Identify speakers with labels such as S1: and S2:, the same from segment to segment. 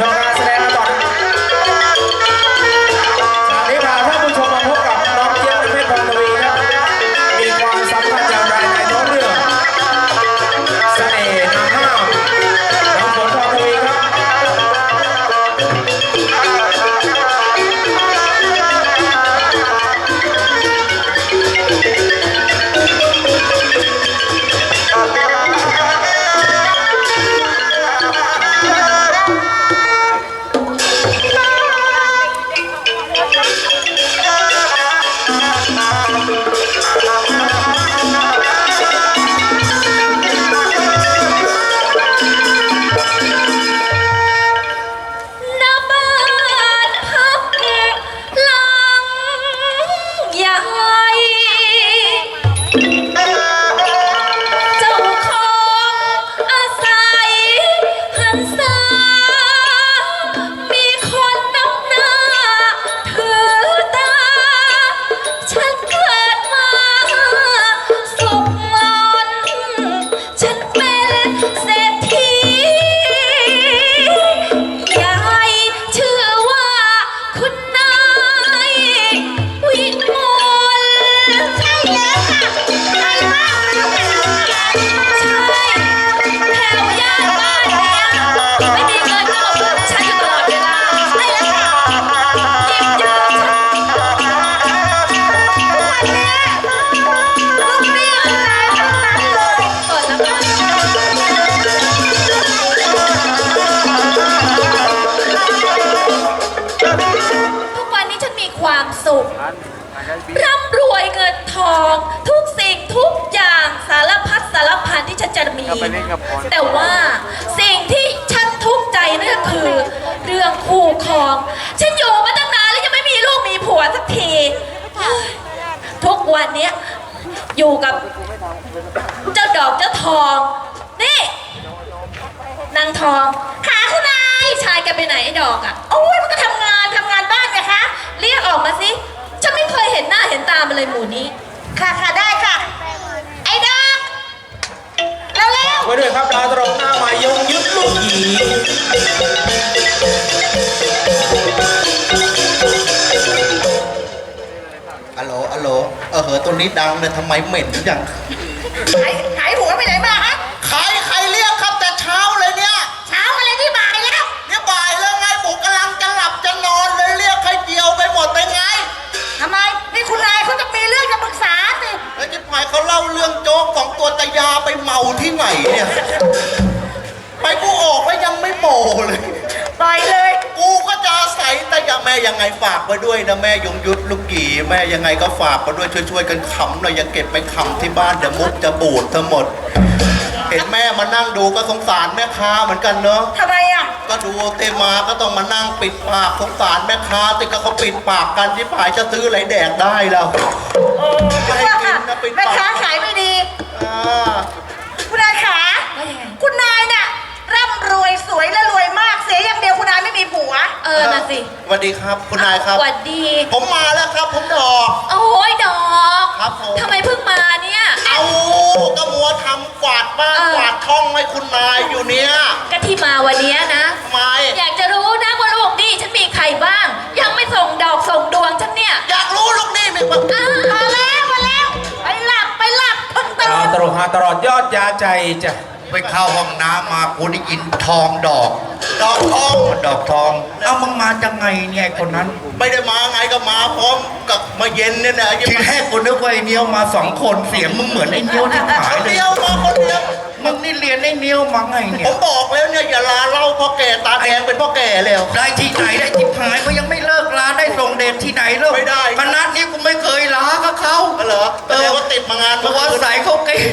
S1: ชมการแสดงกันต่อจากนี้พาท่านผู้ชมมาพบกับน้องเจี๊ยบเพชรพรทวีครับมีความสำคัญอย่างไรในท้องเรื่องเสน่ห์นางห้าวน้องฝนพรทวีครับ
S2: ความสุขร่ำรวยเงินทองทุกสิ่งทุกอย่างสารพัดสารพันที่ฉันจะมีแต่ว่าสิ่งที่ฉันทุกข์ใจนั่นก็คือเรื่องคู่ครองฉันอยู่มาตั้งนานแล้วยังไม่มีลูกมีผัวสักทีทุกวันนี้อยู่กับเจ้าดอกเจ้าทองนี่นางทองหาคุณนายชายแกไปไหนไอ้ดอกอ่ะโอ้ยมันก็ทำงานบ้านไงคะเรียกออกมาสิฉันไม่เคยเห็นหน้าเห็นตามันเลยหมู่นี้ค่ะได้ค่ะไอ้ดอกเร็ว
S1: ไว้ด้วยครับดาวตลกหน้าใหม่ยงยุทธลูกหยี
S3: อัลโหลตัวนี้ดังเลยทำไมเหม็นจัง
S2: หายหัวไปไหนมาฮะ
S3: ใครเรียกครับแต่เช้าเลยเนี่ย
S2: เช้าอะไรที่บ่ายแล้ว
S3: เนี่ยบ่ายแล้วไงผมกำลังจะหลับจะนอนเลยเรียกใครเดียวไปหมดเป็นไง
S2: ทำไมนี่คุณนายเขาจะมีเรื่องจะปรึกษาสิ
S3: แล้วจิ๋พายเขาเล่าเรื่องโจ๊กของตัวตายาไปเมาที่ไหนเนี่ยไปกูออกแล้วยังไม่โมเลย
S2: ปล่อยเลย
S3: กูก็จะอาศัยแต่ยังแม่ยังไงฝากไว้ด้วยนะแม่ยงยุทธลูกหยีแม่ยังไงก็ฝากไว้ด้วยช่วยกันขำหน่อยอย่าเก็บไปขำที่บ้านเดี๋ยวมุกจะบูดทั้งหมดเห็นแม่มานั่งดูก็สงสารแม่ค้าเหมือนกันเนอะ
S2: ทำไมอ่ะ
S3: ก็ดูเตมาก็ต้องมานั่งปิดปากสงสารแม่ค้าติก็เขาปิดปากกันที่ผายจะซื้ออะไรแดกได้แล้ว
S2: ไม่ให้กินนะปิดปากแม่ค้าขายไม่ดีคุณนายขาคุณนายเนี่ยร่ำรวยสวยและรวยมากเสียอย่างเดียวคุณนายไม่มีผัวน่ะสิ
S3: สวัสดีครับคุณนายครับ
S2: สวัสดี
S3: ผมมาแล้วครับผมดอก
S2: โอ้ยดอก
S3: ครับผม
S2: ทำไมเพิ่งมาเนี่ย
S3: เอาก็มัวทำกวาดบ้านกวาดท้องให้คุณนายอยู่เนี่ย
S2: ก็ที่มาวันนี้นะ
S3: ไม่
S2: อยากจะรู้นะว่าลูกนี่ฉันมีใครบ้างยังไม่ส่งดอกส่งดวงฉันเนี่ย
S3: อยากรู้ลูกนี่มีบ้าง
S2: มาแล้วไปหลับเพิ่งตื่น
S1: ตลกหาตลอดยอดยาใจจ้ะ
S3: ไปเข้าห้องน้ำมากูได้ยินทองดอกทองเอามึงมาจังไงเนี่ยคนนั้นไม่ได้มาไงก็มาพร้อมกับมาเย็นเนี่ยนะทีแรกกูนึกว่าไอ้เนี้ยวมา2 คนเสียงมึงเหมือนไอ้เนี้ยวที่หายเลยคนเดียวมึงนี่เรียนไอ้เนี้ยวมาไงเนี่ยผมบอกแล้วเนี่ยอย่าลาเล่าพ่อแก่ตาแดงเป็นพ่อแก่แล้วได้ที่ไหนได้ที่หายเขายังไม่เลิกลาได้ส่งเดชที่ไหนเลิกไม่ได้คณะนี้กูไม่เคยลากับเขาเหรอว่าติดมางานเพราะว่าใส่เขาเก่ง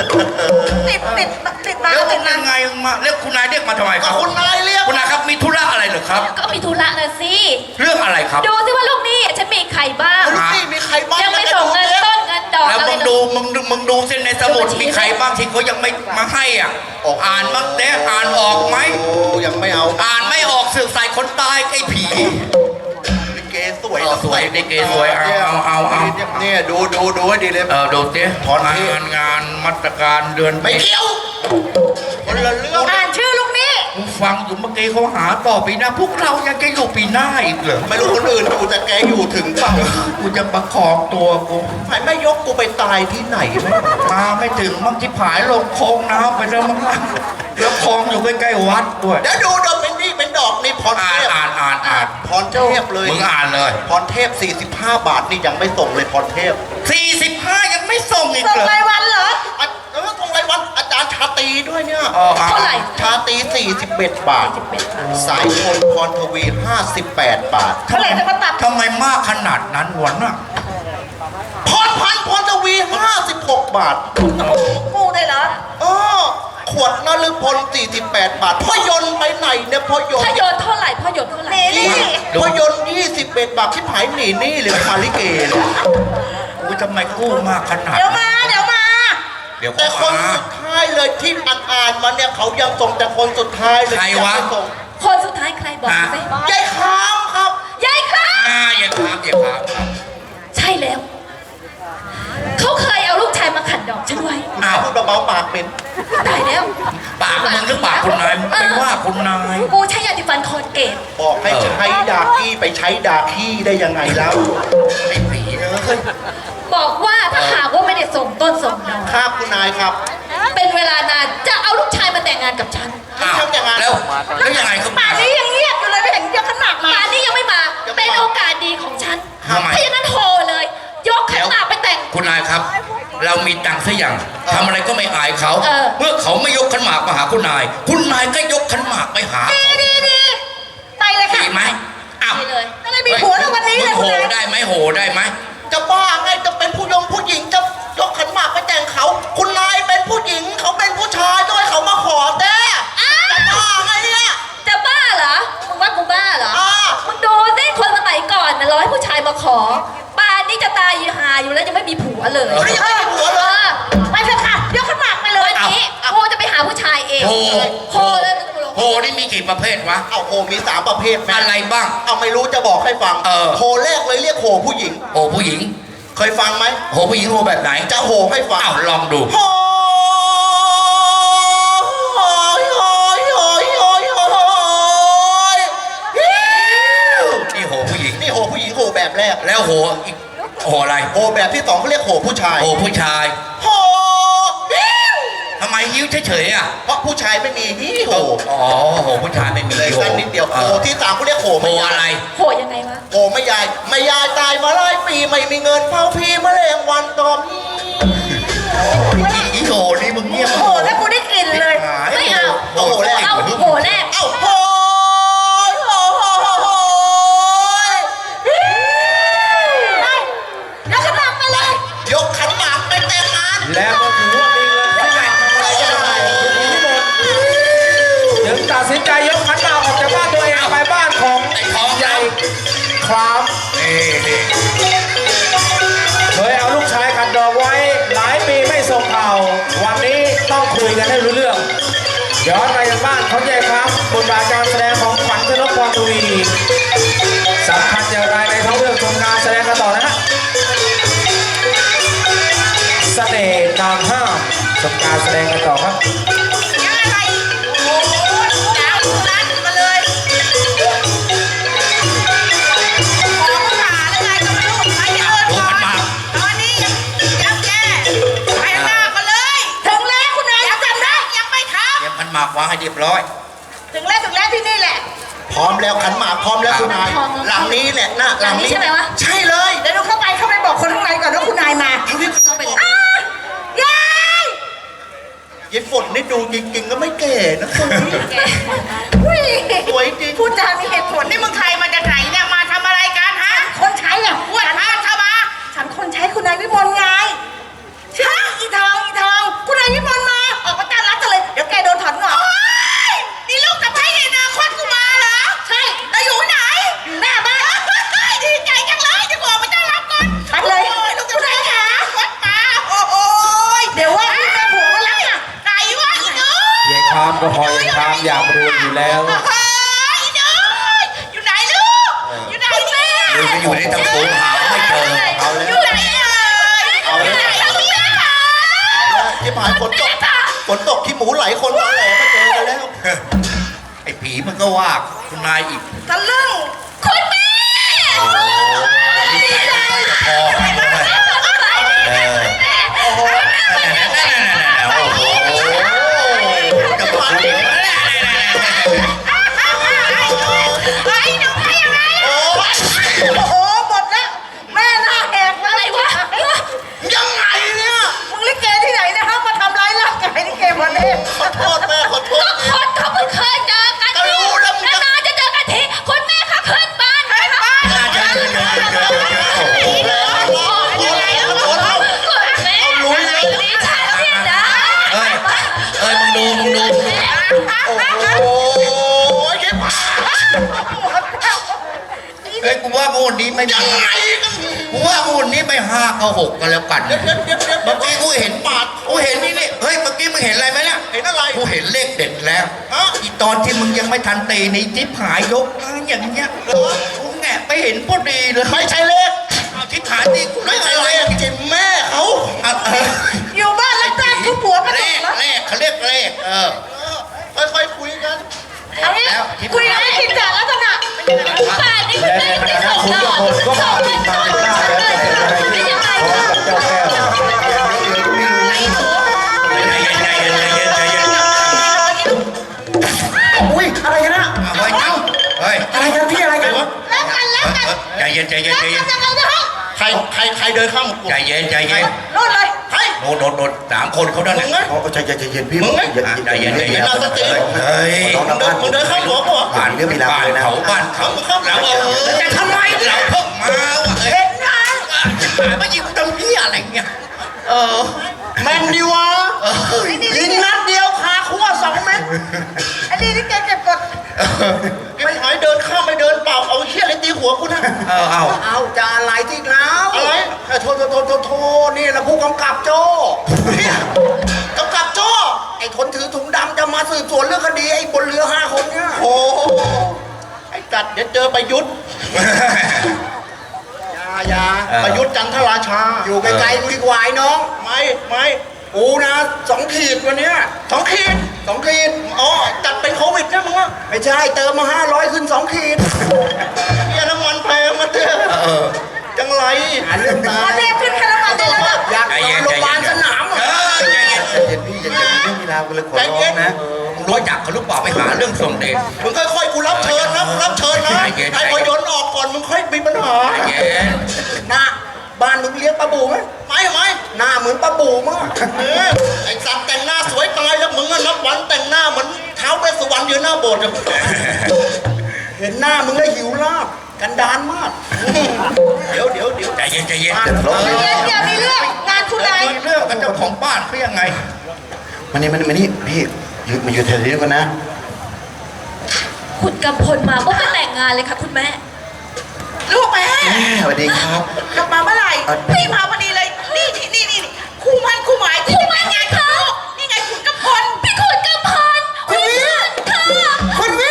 S2: ติดมา
S3: แล้วเป็นยังไงมาเรียกคุณนายเรียกมาทำไมครับคุณนายเรียกคุณนายครับมีธุระอะไรเหรอครับ
S2: ก็มีธุระนะสิ
S3: เรื่องอะไรครับ
S2: ดูสิว่าลูกนี่ฉันมีใครบ้าง
S3: ลูกนี่มีใครบ้าง
S2: ยังไม่ส่งเงินต้นเงินดอก
S3: แล้วมึงดูเส้นในสมุดมีใครบ้างที่เขายังไม่มาให้อ่ะอ่านบ้างแต่อ่านออกไหมยังไม่เอาอ่านไม่ออกสื่อใส่คนตายไอ้ผีเกสวยเกสวยเอาเนี่ยดูให้ดีเลยดูสิงานมาตรการเดือน
S2: ไม่เกี่ยว
S3: คนละเรื่อง
S2: อ่านชื่อลูกนี่
S3: ฟฟังอยู่เมื่อกี้เขาหาต่อปีหน้าพวกเรายังจะอยู่ปีหน้าอีกเหรอไม่รู้คนอื่นอยู่แต่แกอยู่ถึงเปล่ากูจะประคองตัวกูไม่ยกกูไปตายที่ไหนไหมมาไม่ถึงมั่งที่ผายลงคลองน้ำไปแล้วมั้งแล้วคลองอยู่ใกล้ๆวัดด้วยเดี๋ยวดูดอกเป็นนี่เป็นดอกนี่พรเทพอ่านพรเทพเลยมึงอ่านเลยพรเทพ45 บาทนี่ยังไม่ส่งเลยพรเทพ45ยังไม่ส่งอีกเหรอ
S2: ส่งรายวันเหรอ
S3: ส่งรายวันอาจารย์ชาตรีด้วยเนี่ย
S2: เท่าไหร่
S3: ชาตรี41 บาท สายชนพรทวี58 บาท
S2: เท่าไหร่จะมาตัด
S3: ทำไมมากขนาดนั้นวะน่ะพรพันธ์พรทวี56 บาท
S2: กูได้เหรอ
S3: ขวดนฤพล48 บาทพ่อยนต์ไปไหนเนี่ยพ่อยนต์
S2: พ่อโยนเท่าไหร่พ่อโยนเท่าไหร่
S3: พ่อยนต์21 บาทที่ผายหนีนี่เลยคาลิเกเลยอุ้ยทำไมกู้มากขนาด
S2: เดี๋ยวมาเดี๋ยวมา
S3: เดี๋ยวแต่คนสุดท้ายเลยที่อ่านมาเนี่ยเขายังส่งแต่คนสุดท้ายเลยใครวะ
S2: คนสุดท้ายใครบอกสิ
S3: ยายคามครับ
S2: ยายครับ
S3: ยายคามครับ
S2: ใช่แล้ว เขาเคยเอาลูกชายมาขัดดอกฉันไว้
S3: พูดเบาๆปากเป็น
S2: ตายแล้ว
S3: ปากมึงหรือปากคุณนายไปว่าคุณนาย
S2: กูใช้ยาติฟันคอนเกต
S3: บอกให้ใช้ดากี้ไปใช้ดาขี้ได้ยังไงแล้วไอ้ผีเลย
S2: บอกว่าถ้าหากว่าไม่ได้ส่งต้นส่งดอก
S3: ครับคุณนายครับ
S2: เป็นเวลานานจะเอาลูกชายมาแต่งงานกับฉัน
S3: ทำอย่างนั้นแล้วยังไงก็
S2: ป่านนี้ยังเงียบอยู่เลยไม่เห็นยกขันหมากมาป่านนี้ยังไม่มา เป็นโอกาสดีของฉันถ้าอย่างนั้นโทรเลย ยกขันหมากไปแต่ง
S4: คุณนายครับ เรามีตังค์ซะอย่างทำอะไรก็ไม่อายเขา เมื่อเขาไม่ยกขันหมากมาหาคุณนาย คุณนายก็ยกขันหมากไปหา
S2: ดีไปเลยค่ะ
S4: ดีไหมอ้าว
S2: ดีเลยก็เลยมีผัวแล้ววันนี้เลย
S4: โห
S2: คุณนาย
S4: ได้ไหมโหได้ไหม
S3: จะบ้าไงจะเป็นผู้หญิงจะยกขันหมากไปแต่งเขา คุณนายเป็นผู้หญิงเขาเป็นผู้ชายด้วยเขามาขอแต่จะบ้าไงเนี่ย
S2: จะบ้าเหรอมึงว่ากูบ้าเหรอ
S3: อ่า
S2: มึงดูสิคนสมัยก่อนนะร้อยผู้ชายมาขอป่านนี้จะตายอยู่หาอยู่แล้วยังไม่มีผัวเลย
S3: ไม่ได้มีผัวเลย
S2: ไปเถอะค่ะยกขันหมากไปเลยวันนี้กูจะไปหาผู้ชายเอง
S4: โห
S2: โคเลย
S4: โหนี่มีกี่ประเภทวะ
S3: เอาโหมี3 ประเภทแม่
S4: อะไรบ้าง
S3: เอาไม่รู้จะบอกให้ฟัง โหแรกเลยเรียกโหผู้หญิง
S4: โหผู้หญิง
S3: เคยฟังไหม
S4: โหผู้หญิงโหแบบไหน
S3: จะโหให้ฟัง
S4: อ้าวลองดู
S3: โหยโหยโหยโหยโหยโหย
S4: นี่โหผู้หญิง
S3: นี่โหผู้หญิงโหแบบแรก
S4: แล้วโหอีกโหอะไร
S3: โหแบบที่2เขาเรียกโหผู้ชาย
S4: โหผู้ชาย
S3: โหหิ้ว
S4: ทำไมยิ้วเฉยๆอ่ะ
S3: เพราะผู้ชายไม่มีหิ้วโห
S4: อ๋อโหผู้ชายไม่มี
S3: เลย
S4: โห
S3: สั้นนิดเดียวโหที่3เขาเรียกโห
S4: โห
S3: ไม่ยาย
S4: อะไร
S2: โหยังไงวะ
S3: โหไม่ยายไม่ยายตายมาหลายปีไม่มีเงินเผาพีแมลงวันตอมอีโหนี่มึงเงียบ
S2: โหแล้วกูได้กลิ่นเลยไม่เอา
S3: โหแรก
S2: เอาโหแรก
S3: เอ้าโหยโหโหโหโหย
S2: ยกขันหมากไปเลย
S3: ยกขันหมากไปแต่งงาน
S1: แล้วก็ถือว่ามีเงินที่ไหนถึงตัดสินใจยกขันหมากออกจากบ้านตัวเองไปบ้านของ
S4: ไอ้ทอง
S1: ใหญ่
S4: ใหญ่
S1: คราม
S4: นี่
S1: เคยเอาลูกชายขัดดอกไว้หลายปีไม่ส่งข่าววันนี้ต้องคุยกันให้รู้เรื่องย้อนไปยังบ้านของใหญ่ครับบทบาทการแสดงของขวัญชนกพรทวีสำคัญอย่างไรในท้องเรื่องชมการแสดงกันต่อนะฮะเสน่ห์นางห้ามชมการแสดงกันต่อครับ
S2: ยังไงโอ้โหดาวรัดมาเลยขอผู้หาแล้วไงก็ไม่รู้ไปที่อื่นก่อนตอนนี้ยังแย่ไปข้างหน้ากันเลย ถึงแล้วคุณนายจำได้ยังไม่ครับ
S4: เตรียมขันหมากวางให้เรียบร้อย
S2: ถึงแล้วที่นี่แหละ
S3: พร้อมแล้วขันหมากพร้อมแล้วคุณนาย
S2: พร้อม
S3: หลังนี้แหละนะ
S2: หลังนี้ใช่ไหมวะ
S3: ใช่เลย
S2: เดี๋ยวดูเข้าไปบอกคนข้างในก่อนว่าคุณนายมาเข้าไปเลยยาย
S3: ยายฝนนี่ดูจริงๆก็ไม่แก่นะคนนี้
S2: แกอุ้ย
S3: สวยจริง
S2: พูดจามีเหตุผลนี่มึงใครมาจากไหนเนี่ยมาทำอะไรกันฮะคนใช้อ่ะอ้วนฮะเข้ามาฉันคนใช้คุณนายวิมลไงใช่อีทองคุณนายวิมลมาออกมาต้อนรับกันเลยเดี๋ยวแกโดนถอนงอกนี่ลูกสะใภ้ในอนาคตกูมาเหรอใช่แล้วอยู่ไหนหน้าบ้านดีใจจังเลยจะบอกมาต้อนรับก่อนไปเลยลูกสะใภ้ขาวัดมาโอ้ยเดี๋ยวว่าพี่แม่ผัวก็รักอ่ะไหนวะอีน้อย
S1: ยายครามก็พอยายครามอยากรู้อยู่แล้ว
S2: อีน้อยอยู่ไหนลูกอยู่ไหนแม่
S4: อยู่ไปอยู่ในตะโขงหาไม่เจอ
S3: เอาแล้ว
S2: อยู่ไหนเอาแล้วลูกแม่ค่ะ
S3: ที่ผ่านฝนตกขี้หมูไหลคนตอแหลมาเจอกันแล้ว
S4: ไอ้ผีมันก็ว่าคุณนายอีก
S5: ทะลึ่ง
S2: คุณแม่
S4: นิสัยมันจะพอกันเลยโอ้โหจะพอดี
S5: ไอ้หนูไปยังไงโอ้โหหมดแล้วแม่หน้าแหกเล
S2: อะไร
S5: ยว
S2: ะ
S5: ยังไงเนี่ยมึงลิเกที่ไหนนะฮะมาทำร้ายร่างกายลิเกวันนี้ขอโทษแม่ขอโท
S2: ก็
S5: ษ
S2: คนเขาเพิ่งเคยเจอกันทีนานๆจะเจอกันทีคุณแม่ค่ะขึ้นบ้านค่ะ
S5: รู้เลย
S2: ดิฉันพี่นะ
S4: เอ้ยมึงดู
S5: โอ้ยเจ็บ
S4: เฮ้ยกูว่างูนี้ไม่ยังไงกูว่างูนี้ไม่ห้าก็หกกันแล้วกันเมื่อกี้กูเห็นปาดกูเห็นนี่เฮ้ยเมื่อกี้มึงเห็นอะไรไหมเนี่ย
S5: เห็นอะไร
S4: กูเห็นเลขเด็ดแล้วอีตอนที่มึงยังไม่ทันตีนี่ทิพหายยกอย่างเงี้ยกูแงะไปเห็นพอดีเลย
S5: ไม่ใช่เลข
S4: ทิพหายนี่กู
S5: ไม่
S4: ไม่
S5: ใช่
S4: ใช่
S5: เล
S4: เล
S5: ข
S4: ข
S5: จิ๋มแม่เขา อยู่บ้านแล้วแจ้งทุกผัวมา
S4: เล
S5: ตก
S4: ข
S5: แล้ว
S4: เลขเขาเรียกเลข
S5: ค่อยๆคุยกัน
S2: เอางี้คุยกันให้กินจากลักษณะป่านนี้คุณแม่ไม่ส่งดอกส่งเงินส่งเลยไม่ยังไง
S1: เจ้าแก้ว
S5: อุ้ยอะไรกันนะ
S4: เฮ้ยเฮ้ย
S5: อะไรกันพี่อะไรกัน
S2: แล้วกันแล้วกัน
S4: ใจเย็น
S2: แล้วกันในห้อง
S5: ใครเดินข้ามกู
S4: ใจเย็น
S5: โน่นเลยใคร
S4: โดนสามคนเขาด้าน
S5: มึง
S4: ไหน
S5: ไง
S3: เอาใจเย็นพี่
S4: ใจเย็น
S5: เฮ้ย มึงเดินข้ามหัวกู
S4: บ้านเขาเราจะทำไมเราเพิ่งมาว่ะเอ้ยมายิงตรงนี้อะไรเงี้ย
S5: แมนดีวะยิงนัดเดียวคาคั่ว2 เม็ดอันนี้นี่แกเก็บกดไม่หายเดินข้ามไม่เดินเปล่าเอาเชี่ยเลยตีหัวกูนะ
S3: เอาจะอะไรที่แล้ว
S5: อะไร
S3: โทนี่นะผู้กำกับโจ้
S5: กำกับโจ้
S3: ไอ้คนถือถุงดำจะมาสืบสวนเรื่องคดีไอ้บนเรือ5 คนเนี่ย
S5: โอ้ไอ้จัดเดี๋ยวเจอประยุทธ์ยาประยุทธ์จันทราชา
S3: อยู่ไกลๆกูดีกว่าไอ้น้อง
S5: ไม่
S3: กูนะ2 ขีดวันเนี้ย
S5: 2 ขีด
S3: 2 ขีด
S5: อ๋อจัดเป็นโควิดนะมึงวะ
S3: ไม่ใช่เติมมา500ขึ้น2 ขีด
S5: เนี่ยน้ำมันแพงมาเถอะจังไร
S3: หาเรื่องตาย
S5: เรียกขึ้นค่าน้ำมันได้แล้ว
S3: อยากนอนโรงพยาบาลสนามอ่ะ
S4: ใจเย็น
S3: เย็นพี่อย่ามีเรื่องมีราวกันเลยขอร้องนะ
S4: มึงรู้จักเขาหรือเปล่าไปหาเรื่องส่งเดช
S5: มึงค่อยๆกูรับเชิญนะรับเชิญนะ
S4: ใจเย็น
S5: ให้พอยนต์ออกก่อนมึงค่อยมีปัญหา
S4: ใจเย็น
S3: หน้าบ้านมึงเลี้ยงปลาบูไหม
S5: ไม่
S3: หน้าเหมือนปลาบูมาก
S5: ไอ้สัตว์แต่งหน้าสวยตายแล้วมึงอะนับวันแต่งหน้าเหมือนเท้าเวสสุวรรณอยู่หน้าโบสถ์อะ
S3: เห็นหน้ามึงแล้วหิวลาบกันดานมาก
S5: เดี๋ยว
S4: ใจเย็น
S2: อย่ามีเรื่องงานคุณนาย
S4: เรื่องกับเจ้าของบ้านเขายังไง
S3: มานี่พี่มาอยู่แถวนี้กันนะ
S2: คุณกำพลมาปุ๊บก็แต่งงานเลยค่ะคุณแม่
S5: ลูกแม่
S3: สวัสดีครับ
S5: กลับมาเมื่อไหร่พี่มาพอดีเลย นี่คู่มันคู่หมายคู่มันไงเขานี่ไงขุนกำพล
S2: พี่ขุนกำพลคุณแม่ค่ะ
S5: คุณแม่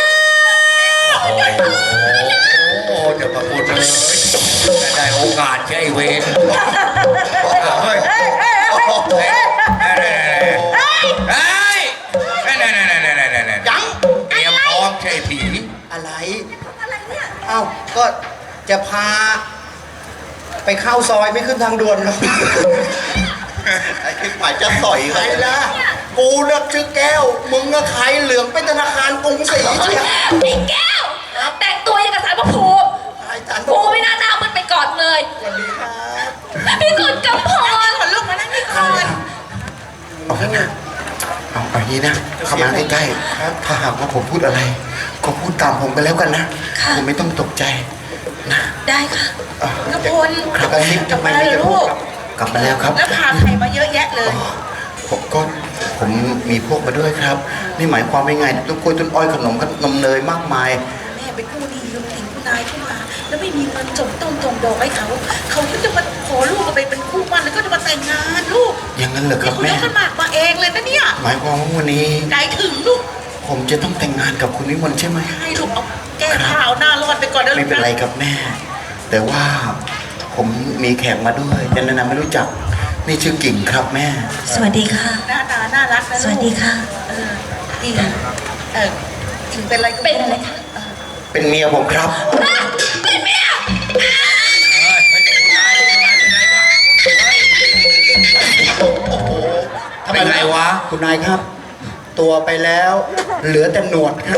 S4: โอ้จะมาพูดเลยได้โอกาสใช่เวรเฮ้ย
S5: ยัง
S4: เตรียมพร้อมใช่ผี
S3: อะไร
S5: อะไรเนี่ย
S3: เอ้าก็จะพา ไปเข้าซอยไม่ขึ้นทางด่วนหรอก
S5: ไอ้ที่ฝ่ายจะต่อย
S3: ใค
S5: ใค
S3: ร
S5: ร
S3: ล่ะกูเลือกชื่อแก้ว มึงก็ใครเหลืองเป็นธนาคารกรุงศรีเชียว
S2: พี่แก้ว แต่งตัวยังกับสารพระภูมิ
S3: ไอ้จันทร์
S2: ภูไม่น่าหน้ามันไปก่อนเลย
S3: สวัสดีครับ
S2: พี่ขุนกำพล
S5: ก่อนลูกมานั่งนี่ก่อน
S3: เอาอย่างนี้นะเข้ามาใกล้ๆถ้าหากว่าผมพูดอะไร ก็พูดตามผมไปแล้วกันนะผมไม่ต้องตกใจนะ
S2: ได้ค่ะ
S5: กำพล
S3: ครับทำไมไม่จะพูดกลับมาแล้วครับ
S5: แล้วพาใครมาเยอะแยะเลย
S3: ผมมีพวกมาด้วยครับ นี่หมายความว่าไงต้นกล้วยต้นอ้อยขนมเนยมากมาย
S5: แม่เป็นผู้ดีลูกติ่งผู้นายขึ้นมา แล้วไม่มีเงินส่งดอกให้เขาก็จะมาขอลูกไปเป็นคู่มั่นแล้วก็จะมาแต่งงานลูก
S3: อย่างนั้นเหรอครับ
S5: คุณ
S3: แม่
S5: ยกกันหมากมาเองเลยนะเนี่ย
S3: หมายความว่าวันนี้
S5: ใจถึงลูก
S3: ผมจะต้องแต่งงานกับคุณวิมลใช่ไหม
S5: ให้ลูกเอาแก้ผ้าเอาหน้ารอดไปก่อนนะลู
S3: ไม่
S5: ก
S3: เป็นไรครับแม่ แต่ว่าผมมีแขกมาด้วยจะแนะนำไม่รู้จักนี่ชื่อกิ่งครับแม่
S2: สวัสดีค่ะ
S5: หน้าตาน่ารักนะลูก
S2: สวัสดีค่ะ
S5: อีเป็นอะไร
S2: เป็นอะไรคะ
S4: เป็นเมียผมครับ
S2: อ่ะเป็นเมีย
S4: ทำไมไรวะ
S5: คุณนายครับ ตัวไปแล้ว เหลือแต่หนวดครับ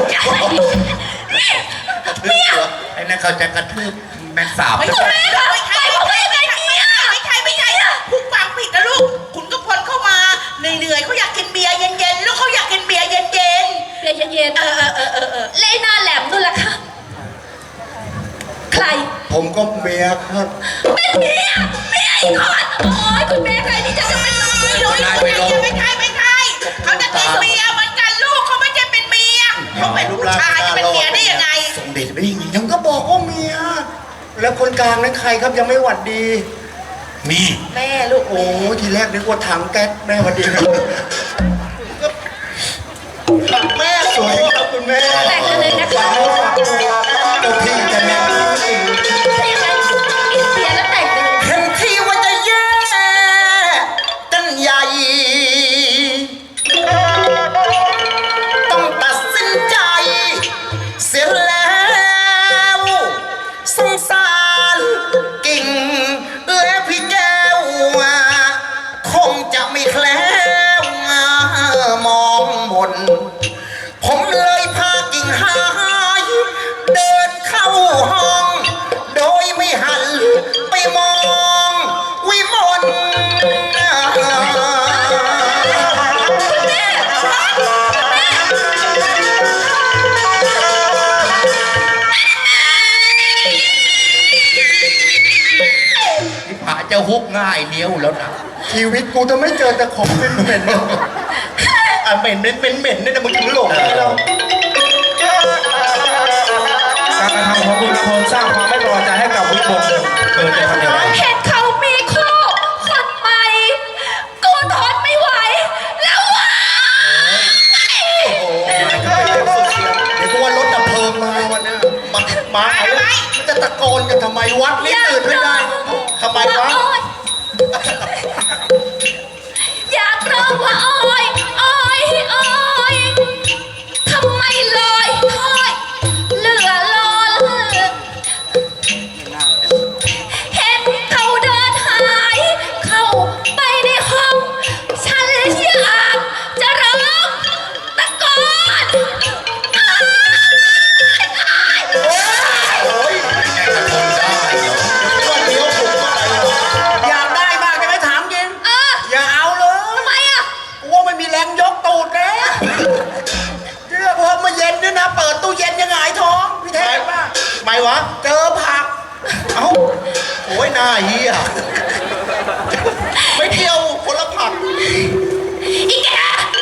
S4: ไอ้นั่นเขาจะกระทืบแมงสาบ
S2: ไม่ใช่ไม่ใช่บอกว่ายังไงเมีย
S6: ไม่ใช่อะคุณฟังผิดนะลูก คุณก็พลเข้ามาเหนื่อยๆเขาอยากกินเบียร์เย็นๆ แล้วเขาอยากกินเบียร์เย็น
S2: เบียร์เย็น
S6: ๆ
S2: เล่หน้าแหลมนู่นล่ะค่ะใคร
S5: ผมก็เมียครับ
S2: เป็นเมียอีกคนโอ้ยคุณแม่ใครที่จะเป็นเมีย
S6: ไม่ใช่ เขาจะกินเบียร์เหมือนกันลูกเขาไม่ใช่เป็นเมียเขาเป็นผู้ชายจะเป็นเมียได้ยังไง
S5: ส่งเดชไปยังไงยังก็บอกว่าเมีย แล้วคนกลางนั้นใครครับยังไม่หวัดดี
S4: มี
S6: แม่ลูก
S5: โอ้ทีแรกนึกว่าถังแก๊สแม่หวัดดีครับแม่สวยครับคุณแม่
S2: แต่งกันเลยนะคะ
S5: ตัวพี่จะแม่
S2: ถ้าอย่างนั้นกินเบียร์แล้วแต่งกันเลย
S5: เห็นที่ว่าจะแย่กันใหญ่ ต้องตัดสินใจ เสียแล้วสงสารกิ่งและพี่แก้วคงจะไม่แคล้วมองมน ผมเลยพากิ่งหายเดินเข้าห้อง โดยไม่หันไปมองวิมล
S4: ที่ผาจะฮุกง่ายเนี้ยวแล้วนะ
S5: ชีวิตกูจะไม่เจอแต่ของเหม็นๆอ่ะเหม็นเนี่ยนะมึงถึงหลงเลยเรา
S1: การกระทำของคุณพลสร้างความไม่พอใจให้กับวิพงศ์เกิดจะทำอย่างไร
S2: เห็นเขามีคู่คนใหม่กูทนไม่ไหว แล้วว่ะ
S5: เดี๋ยวกูว่ารถดับเพลิงมาวันนี้มาอะไรมันจะตะโกนกันทำไมวัดนี่ตื่นไม่ได้ทำไมวะ
S2: อยากร้องว่าโอ้ยโอ้ยโอ้ยทำไมลอยถ้อยเหลือล้นเห็นเขาเดินหายเข้าไปในห้องฉันอยากจะร้องตะโกนอ้ายอ้าย
S5: วันเดียวผมอยากได้มากจะไม่ถามยิน
S2: เออ
S5: อย่าเอาเลย
S2: ทำไมอ่ะ
S5: กูว่าไม่มีแรงยกตูดแล้วเรื่องว่าเมื่อเย็นเนี่ยนะ เปิดตู้เย็นยังไงท้องพี่แท้ป่ะไม่วะ เจอผัก เอ้าโอ้ยหน้าเหี้ยไม่เที่ยวคนละผัก
S2: อีแก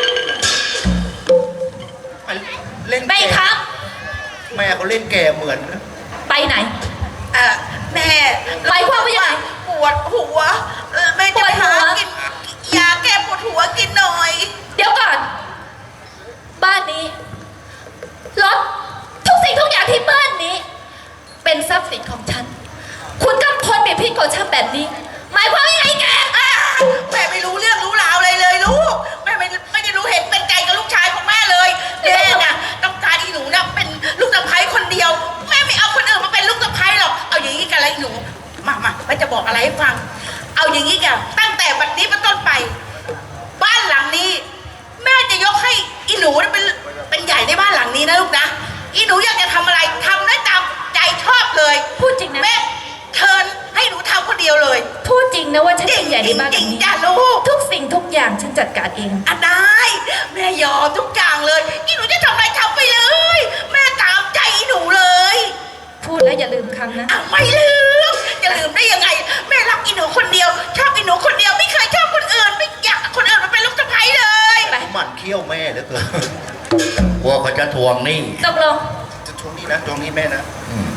S5: เล่น
S2: ไป
S5: แก่
S2: ครับ
S5: แม่เขาเล่นแก่เหมือนนะ
S2: ไปไหน
S6: แม่
S2: หมายความว่ายังไง
S6: ปวดหัวแม่จะไปหากินยาแก้ปวดหัวกินหน่อย
S2: เดี๋ยวก่อน บ้านนี้ รถ ทุกสิ่งทุกอย่างที่บ้านนี้ เป็นทรัพย์สินของฉัน คุณกำพลเบียดพิษของฉันแบบนี้ หมายความว่ายังไงแก
S6: แม่ไม่รู้เรื่องรู้ราวอะไรเลยลูกแม่ไม่ได้รู้เห็นเป็นใจกับลูกชายของแม่เลยแม่น่ะต้องการอีหนูน่ะเป็นลูกสะใภ้คนเดียวแม่ไม่เอาคนอื่นมาเป็นลูกสะใภ้หรอกเอาอย่างนี้กันเลยหนูมาแม่จะบอกอะไรให้ฟัง เอาอย่างนี้กันตั้งแต่บัดนี้เป็นต้นไป บ้านหลังนี้ แม่จะยกให้อีหนูเป็นใหญ่ในบ้านหลังนี้นะลูกนะอีหนูอยากจะทำอะไรทำได้ตามใจชอบเลย
S2: พูดจริงนะ
S6: แม่เชิญให้หนูทำคนเดียวเลย
S2: พูดจริงนะว่าฉันเป็นใหญ่ในบ้านหลังนี้
S6: จ้าลูก
S2: ทุกสิ่งทุกอย่างฉันจัดการเอง
S6: อ่ะได้แม่ยอมทุกอย่างเลยนี่หนูจะทำอะไรทำไปเลย แม่ตามใจหนูเลย
S2: พูดแล้วอย่าลืมคำนะ
S6: อ่ะไม่ลืมจะลืมได้ยังไง แม่รักอีหนูคนเดียว ชอบอีหนูคนเดียวไม่เคยชอบคนอื่นไม่อยากคนอื่นมาเป็นลูกสะใภ้เลย
S2: ไป
S5: หมั่นเคี้ยวแม่เหลือเกิน
S4: กลัวเขาจะทวงหนี่
S2: ตกลง
S5: จะช่วงนี้นะช่วงนี้แม่นะ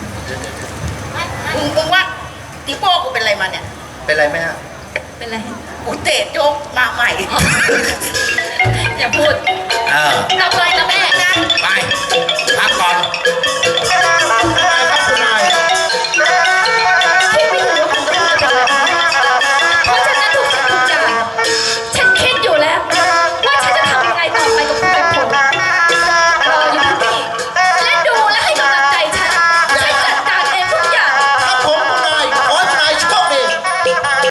S6: มึงว่าติโป้กูเป็นอะไรมาเนี่ย
S5: เป็นไรแม่
S2: เป็นไร
S6: กูเตะโจ๊กมาใหม่
S2: อย่าพูด
S4: เออ
S2: ตกลงนะแม่
S4: ไปพักก่อน